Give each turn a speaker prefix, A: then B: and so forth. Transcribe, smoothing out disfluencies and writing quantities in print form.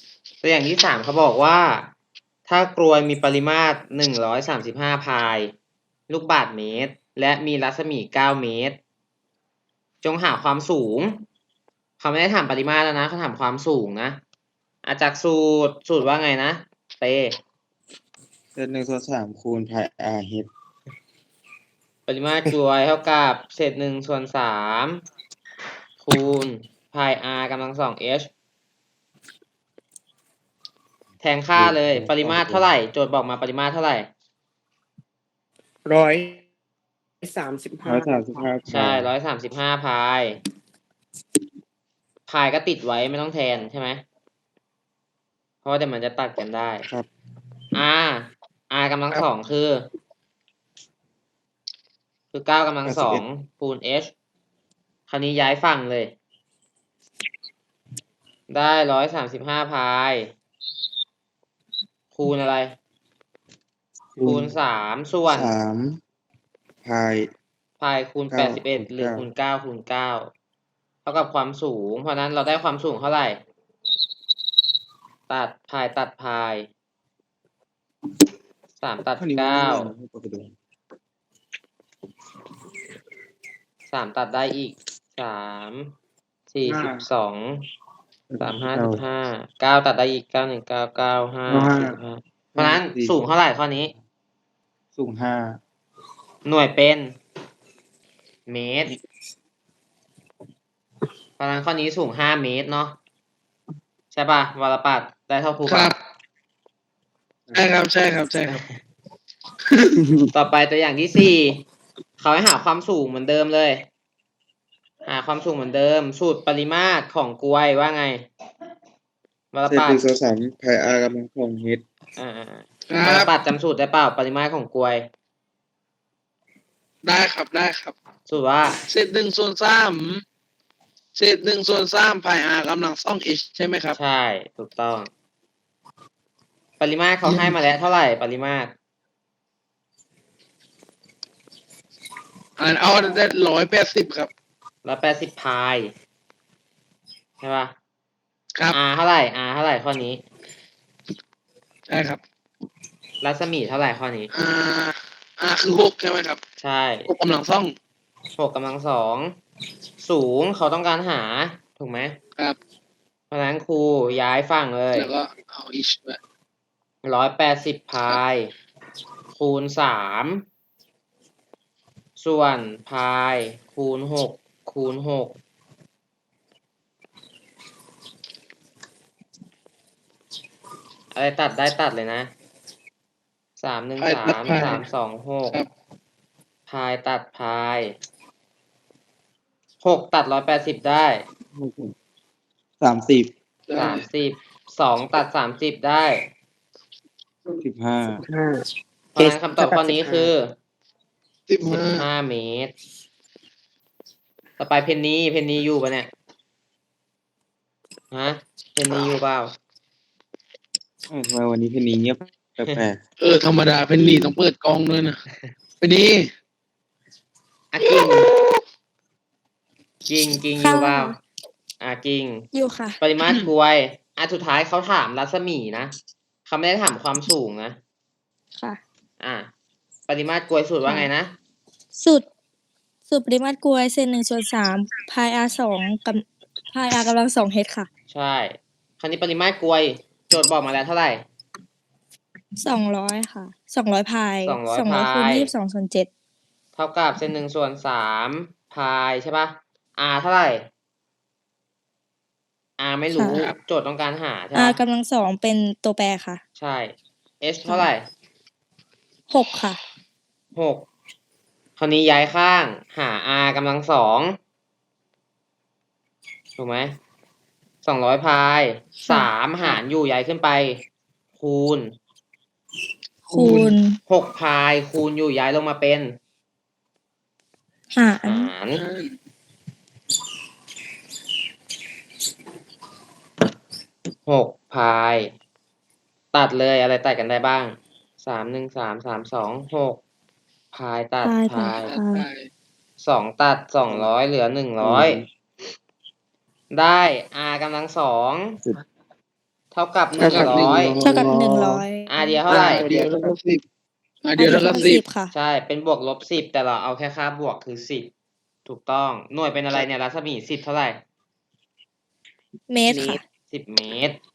A: ตัวอย่างที่3เขาบอกว่า ถ้ากรวยมีปริมาตร135พายลูกบาศก์เมตร และมีรัศมี9เมตร จงหาความสูง เขาไม่ได้ถามปริมาตรแล้วนะเขาถามความสูงนะจากสูตรว่าไงนะเต
B: เศษ1/3คูณพาย r h
A: ปริมาตรกรวยเท่ากับเศษ1/3คูณพาย r กำลัง2 h แทนค่าเลยปริมาตรเท่าไหร่โจทย์บอกมาปริมาตรเท่าไหร่
C: 135
A: ใช่135พายพายก็ติดไว้ไม่ต้องแทนใช่ไหมเพราะว่าเดี๋ยวมันจะตัดกันได้
B: ครับ
A: r กำลัง2คือ9กำลัง2คูณ h คราวนี้ย้ายฝั่งเลย ได้135พายคูณอะไรคูณ3ส่วน
B: 3พาย
A: คูณ81หรือคูณ9คูณ9เท่ากับความสูงเพราะนั้นเราได้ความสูงเท่าไหร่ตัดพาย3ตัด9 3ตัดได้อีก3 42 35 9ตัดได้อีก9 1 9 9 5 45เพราะนั้นสูงเท่าไหร่ข้อนี้
B: สูง5
A: หน่วยเป็นเมตรเพราะนั้นข้อนี้สูง5เมตรเนาะใช่ป่ะวรปัตรได้เท่าครู
C: ครับใช่ครับ
A: ต่อไปตัวอย่างที่4เขาให้หาความสูงเหมือนเดิมเลยหาความสูงเหมือนเดิมสูตรปริมาตรของกลวยว่าไงวรปัตร
B: 1/3พาย r กำลัง2 h
A: วรปัตรจำสูตรได้เปล่าปริมาตรของกลวย
C: ได้ครับ
A: สูตรว่า
C: เศษ1/3พาย r กำลัง2 h ใช่ไหมครับ
A: ใช่ถูกต้องปริมาตรเขาให้มาแล้วเท่าไหร่ปริมาตร
C: เอาได้180ครับ
A: 180พายใช่ป่ะ
C: ครับ
A: r เท่าไหร่ข้อนี้
C: ใช่ครับ
A: รัศมีเท่าไหร่ข้อนี้
C: คือ6ใช่ไหมครับ
A: ใช่
C: 6กำลัง
A: 6กำลัง2สูงเขาต้องการหาถูกไหม
C: ครับ
A: เพราะฉะนั้นครูย้ายฝั่งเลย
C: แล้วก็เอาอีก
A: 180พายคูณ3ส่วนพายคูณ6คูณ6อะไรตัดได้ตัดเลยนะ3 1 3 3 2 6พายตัดพาย6ตัด180ได้
B: 30
A: 2ตัด30ได้
B: 15
A: เพราะฉะนั้นคำตอบข้อนี้คือ15เมตรต่อไปเพนนีอยู่ปะเนี่ยฮะเพนนีอยู่เปล่า
B: ทำไมวันนี้เพนนีเงียบแปลก
C: ธรรมดาเพนนีต้องเปิดกล้องด้วยนะเพนนี
A: กิ่งอยู่เปล่ากิ่ง
D: อยู่ค่ะ
A: ปริมาตรกลวยสุดท้ายเขาถามรัศมีนะเขาไม่ได้ถามความสูงนะ
D: ค่ะ
A: ปริมาตรกลวยสูตรว่าไงนะ
D: สูตรปริมาตรกลวยเศษ1/3พาย r 2กับพาย r กำลัง2 h ค่ะ
A: ใช่คราวนี้ปริมาตรกลวยโจทย์บอกมาแล้วเท่าไหร่
D: 200ค่ะ200พาย
A: 200
D: คูณ22/7
A: เท่ากับเศษ1/3พายใช่ป่ะ r เท่าไหร่ r ไม่รู้โจทย์ต้องการหาใช่ป่ะ
D: r กำลัง2เป็นตัวแปรค่ะ
A: ใช่ h เท่าไหร่
D: 6ค่ะ
A: 6คราวนี้ย้ายข้างหา r กำลัง2ถูกไหม200พาย3หารอยู่ย้ายขึ้นไปคูณ6พายคูณอยู่ย้ายลงมาเป็น
D: หาร
A: 6พายตัดเลยอะไรตัดกันได้บ้าง3 1 3 3 2 6พายตัดพาย2ตัด200เหลือ100ได้ r กำลัง2 เท่ากับ
C: เท่ากับ
D: เท่ากับ100
A: r เดียวเท่าไหร่
C: เดียวเท่ากับ10เดียวเท่ากับ10
D: ค่ะ
A: ใช่เป็นบวกลบ10แต่เราเอาแค่ค่าบวกคือ10ถูกต้องหน่วยเป็นอะไรเนี่ยรัศมี10เท่าไหร่
D: เมตรค่ะ
A: 10 เมตร